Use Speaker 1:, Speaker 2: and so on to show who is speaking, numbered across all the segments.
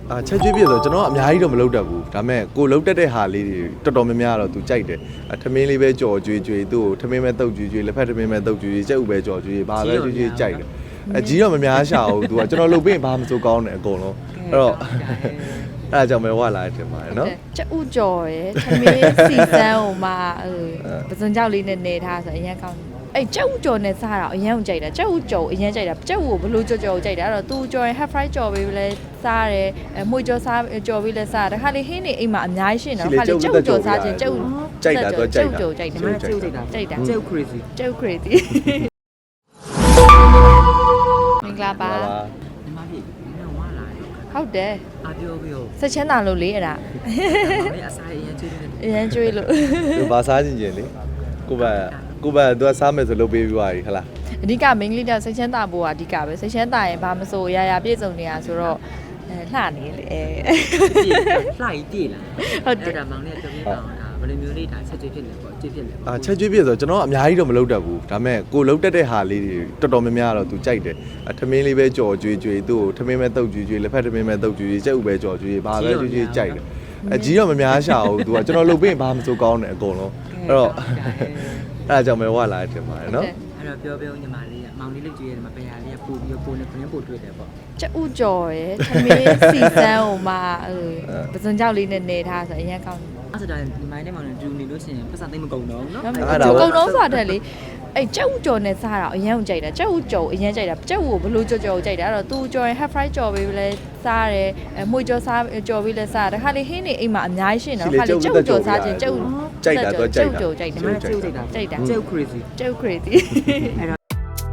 Speaker 1: ချက်ကျွေးပြဆိုကျွန်တော်အများကြီးတော့မလုပ်တတ်ဘူးဒါပေမဲ့ကိုလုပ်တတ်တဲ့ဟာလေးတွေတော်တော်များများတော့သူကြိုက်တယ်ထမင်းလေးပဲကြော်ကျွေးသူ့ကိုထမင်းပဲတုပ်ကျွေးလက်ဖက်ထမင်းပဲတုပ်ကျွေးကြက်ဥပဲကြော်ကျွေးဘာပဲကျွေးကြိုက်တယ်အကြီးတော့မများရှာဘူးသူကကျွန်တော်လုပ်ပြီးဘာမှမစိုးကောင်းတယ်အကုန်လုံးအဲ့တော့အဲ့ဒါကြောင့်ပဲဝလာတယ်ပါတယ်နော်
Speaker 2: ကျဥကြော်ရယ်သမီးစီစန်းဟိုမှာပစုံကြောက်လေးနဲ့နေထားဆိုအရင်ကောင်းအဲ့ကျဥကြော်နဲ့စားတာအရင်ကြိုက်တာကျဥကြော်အရင်ကြိုက်တာကျဥကိုဘလို့ကြော်ကြော်ကြိုက်တာအဲ့တော့သူကြော်ရင် half fry ကြော်ပေးလဲစားတယ်မွေကြော်စားကြော်ပေးလဲစားတခါလေဟင်းနေအိမ်မှာအများကြီးရှင်းတယ်ခါလေကျဥကြော်စားခြင်းကျဥ
Speaker 1: ကြိုက်တာတော့ကြိုက်တာ
Speaker 2: ကျဥကြော်ကြိုက်တယ်
Speaker 3: ကျုပ်ကြိုက်တာ
Speaker 2: ကြိုက်တာ
Speaker 3: ကျုပ် crazy
Speaker 2: ကျဥ crazy မင်္ဂလာပါ
Speaker 3: ဒီမှာကြီးနင်ဝါလာ
Speaker 2: ဟုတ်တယ်
Speaker 3: အပြောပြော
Speaker 2: ဆက်ချမ်းသာလို့လေအဲ့ဒါ
Speaker 3: လေအစားရင်ကျွေးတယ်
Speaker 2: အရင်ကျွေးလို့
Speaker 1: သူဘာစားခြင်းလေကိုဘသူကစားမယ်ဆိုလုပ်ပေးပြီးသွားပြီဟလား
Speaker 2: အဓိက main လေးတော့စိတ်ချမ်းသာဖို့ကအဓိကပဲစိတ်ချမ်းသာရင်ဘာမဆိုရာပြည့်စုံနေတာဆိုတော့လှနေလေ
Speaker 3: လှကြီးတည်လာ
Speaker 2: ဟုတ်တယ်
Speaker 3: အဲ့ဒါမောင်လေးပြောပြပါအောင်ဘယ်လိုမျိုးလေးဒါချက်ကျွေးဖြစ်လဲပေါ့ကျွေးဖြစ်လဲ
Speaker 1: ချက်ကျွေးပြဆိုကျွန်တော်အများကြီးတော့မလုပ်တတ်ဘူးဒါပေမဲ့ကိုလုပ်တတ်တဲ့ဟာလေးတွေတော်တော်များများတော့သူကြိုက်တယ်ထမင်းလေးပဲကြော်ကျွေးသူ့ကိုထမင်းပဲတုပ်ကျွေးလက်ဖက်ထမင်းပဲတုပ်ကျွေးကြက်ဥပဲကြော်ကျွေးဘာပဲကျွေးကြိုက်တယ်အကြီးတော့မများရှာဘူးသူကကျွန်တော်လုပ်ပြီးဘာမှမစိုးကောင်းတယ်အကုန်လုံးအဲ့တော့အဲ့ဒါကြောင့်ပဲဝလာတယ်ပါတယ်နော်
Speaker 3: အဲ့တော့ပြောညီမလေးမောင်လေးလေးကျွေးရတယ်မှာပညာလေးကပို့ပြီးပို့နေခင်းပို့တွေ့တယ်ပေါ့
Speaker 2: ကျဥကြော်ရယ်သမီးစီစန်းဟိုမှာပစုံကြောက်လေးနဲ့နေထားဆိုအရင်ကောင်း
Speaker 3: အဲ့ဒါဒီမိုင်းနဲ့မောင်နဲ့ဒူနေလို့ရှိရင်ပတ်စံသိမကုန်တော့ဘူးနော်
Speaker 2: ကုန်တော့ဆိုတာတက်လေအဲ့ကျဥကြော်နဲ့စားတာအရင်ကြိုက်တာကျဥကြော်အရင်ကြိုက်တာကျဥကိုဘလို့ကြော်ကြော်ကြိုက်တာအဲ့တော့သူကြော်ရင် half fry ကြော်ပေးလဲစားတယ်မွေကြော်စားကြော်ပေးလဲစားတခါလေဟင်းနေအိမ်မှာအများကြီးရှင်းတယ်ခါလေကျဥကြော်စားခြင်းကျဥ
Speaker 1: ကြိုက်တာတော့ကြိုက်တာ
Speaker 2: ကြော်ကြိုက်တယ်
Speaker 3: ကျုပ်ကြိုက်တာ
Speaker 2: ကြိုက်တာ
Speaker 3: ကျုပ် crazy
Speaker 2: ကျုပ် crazy
Speaker 3: အဲ့တော့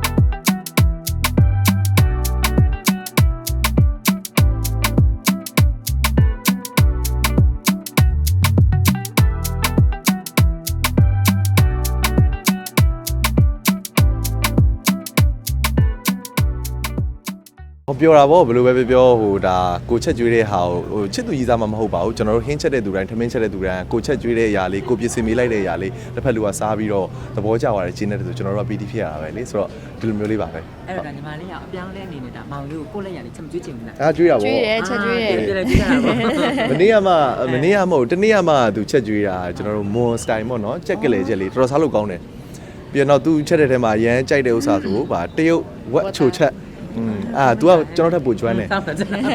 Speaker 1: ပြောတာပေါ့ဘယ်လိုပဲပြောဟိုဒါကိုချက်ကျွေးတဲ့ဟာဟိုချစ်သူကြီးစားမှမဟုတ်ပါဘူးကျွန်တော်တို့ဟင်းချက်တဲ့သူတိုင်းထမင်းချက်တဲ့သူတိုင်းကိုချက်ကျွေးတဲ့အရာလေးကိုပြစ်စင်မိလိုက်တဲ့အရာလေးတစ်ဖက်လူကစားပြီးတော့သဘောကျသွားတယ်ကျင်းတဲ့ဆိုကျွန်တော်တို့ကပီတီဖြစ်ရတာပဲလေဆိုတော့ဒီလိုမျိုးလေးပါပဲ
Speaker 3: အဲ့တော့ညီမလေးကအပြောင်းလဲအနေနဲ့ဒါမောင်လေးကိုကိုယ့်လက်ရလေးချက်မကျွေးချင်ဘူးလား
Speaker 1: ကျွေးတာပေါ့
Speaker 2: ကျွေးတယ်ချက်ကျွေးတယ်
Speaker 3: ကျွေးတာပေါ့
Speaker 1: မနေ့ကမဟုတ်တနေ့ကမှသူချက်ကျွေးတာကျွန်တော်တို့မွန်စတိုင်ပေါ့နော်ချက်ကလေးချက်လေးတော်တော်စားလို့ကောင်းတယ်ပြီးတော့သူချက်တဲ့ထဲမှာရမ်းကြိုက်တဲ့ဥစ္စာဆိုဗာတရုတ်ဝက်ချိုချက်तू ကကျွန်တော်ထပ်ပို့ကျွမ်းတယ်
Speaker 3: အဲ့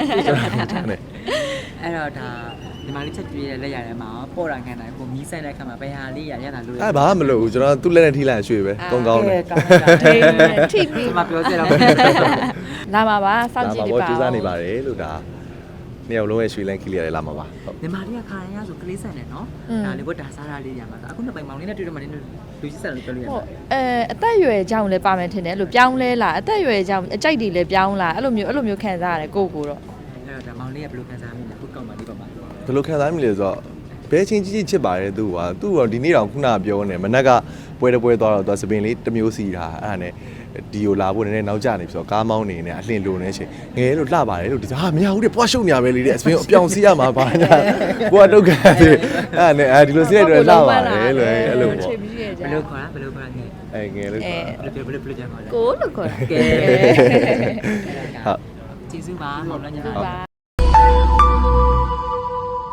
Speaker 3: တော့ဒါဒီမှာလေးချက်ကျွေးရလက်ရတယ်မှာပေါ်တာခံတာကိုမီးဆိုင်တဲ့ခါမှာဘယ်ဟာလေးရတာလို့
Speaker 1: ဘာမှမလုပ်ဘူးကျွန်တော်သူ့လက်နဲ့ထိလိုက်ရွှေ့ပဲကောင်းကောင်းတယ်
Speaker 2: ထိပြီး
Speaker 3: ဒီမှာပြောစရာ
Speaker 2: လာပါပါစောင့်ကြည့်နေပါ
Speaker 1: ကြိုးစားနေပါတယ်လို့ဒါနှစ်ယောက်လုံးရဲ့ရွှေလန်းကလေးရတယ်လာမှာပါ
Speaker 3: ဟုတ်ညီမလေးကခါရရဆိုကလေးဆန်တယ်နော်ဒါလေးဘတ်ဒါစားတာလေးရမှာအခုနှစ်ပိုင်မောင်လေးနဲ့တွေ့တော့မှလည်းလူကြီးဆန်လို့ပြောလို့ရတယ်
Speaker 2: အသက်အရွယ်ကြောင့်လည်းပါမယ်ထင်တယ်အဲ့လိုပြောင်းလဲလာအသက်အရွယ်ကြောင့်အကြိုက်တွေလည်းပြောင်းလာအဲ့လိုမျိုးခံစားရတယ်ကိုတော့
Speaker 3: အဲ့တော့ဒါမောင်လေးကဘယ်လိုခံစားမိလဲခုကောက်မှဒီပါမှာ
Speaker 1: ဘယ်လိုခံစားမိလဲဆိုတော့ဘဲချင်းကြီးချစ်ပါတယ်သူကဒီနေ့တော့ခုနပြောနေမနက်ကပွဲသွားတော့သူစပင်လေးတစ်မျိုးစီတာအဲ့ဒါနဲ့ဒီကိုလာဖို့နည်းနည်းနောက်ကျနေပြီဆိုတော့ကားမောင်းနေနေအလှင်လိုနေချင်းငယ်လို့လှပါတယ်လို့ဒီဟာမရဘူးတဲ့ပွားရှုံနေရပဲလေတဲ့အစပင်အပြောင်စီးရမှာပါညာကိုကတုတ်ကန်တယ်အဲ့နဲ့ဒီလိုစီးလိုက်တော့လှပါတယ်လို့အဲ့လိုပေါ့
Speaker 3: ဘယ်လိုခေါ်ငယ်
Speaker 1: ငယ်လို့ခေါ်
Speaker 3: ဘယ်လိုကြမ်းခေါ်လဲ
Speaker 2: ကိုလို့ခေါ်
Speaker 3: ကဲ
Speaker 1: ဟုတ်
Speaker 3: ကျေးဇူးပါမောင်လည်းညီမ